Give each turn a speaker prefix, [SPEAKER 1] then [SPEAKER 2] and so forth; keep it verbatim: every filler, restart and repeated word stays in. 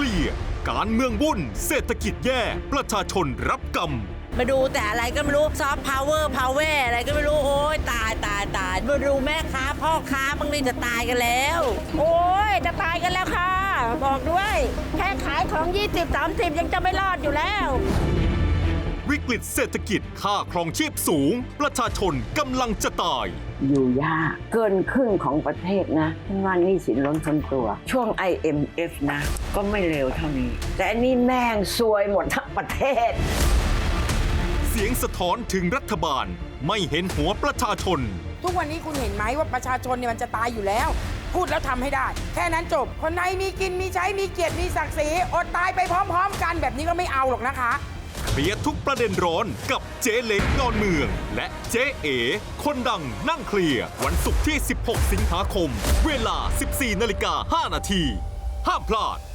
[SPEAKER 1] ลียร์การเมืองวุ่นเศรษฐกิจแย่ประชาชนรับกรรม
[SPEAKER 2] มาดูแต่อะไรก็ไม่รู้ซอฟต์พาวเวอร์พาวเวอร์อะไรก็ไม่รู้โอ้ยตายตายตายมาดูแม่ค้าพ่อค้าบางทีจะตายกันแล้ว โอ้ยจะตายกันแล้วค่ะบอกด้วยแค่ขายของยี่สิบ สามสิบยังจะไม่รอดอยู่แล้ว
[SPEAKER 1] วิกฤตเศรษฐกิจค่าครองชีพสูงประชาชนกำลังจะตาย
[SPEAKER 3] อยู่ยากเกินครึ่งของประเทศนะฉันว่าหนี้สินล้นพ้นตัวช่วง ไอ เอ็ม เอฟ นะก็ไม่เร็วเท่านี้แต่อันนี้แม่งซวยหมดทั้งประเทศ
[SPEAKER 1] เสียงสะท้อนถึงรัฐบาลไม่เห็นหัวประชาชน
[SPEAKER 4] ทุกวันนี้คุณเห็นไหมว่าประชาชนเนี่ยมันจะตายอยู่แล้วพูดแล้วทำให้ได้แค่นั้นจบคนไหนมีกินมีใช้มีเกียรติมีศักดิ์ศรีอดตายไปพร้อมๆกันแบบนี้ก็ไม่เอาหรอกนะคะ
[SPEAKER 1] เคลียร์ทุกประเด็นร้อนกับเจ๊เล็กดอนเมืองและเจ๊เอ๋คนดังนั่งเคลียร์วันศุกร์ที่สิบหกสิงหาคมเวลา สิบสี่นาฬิกาห้านาทีห้ามพลาด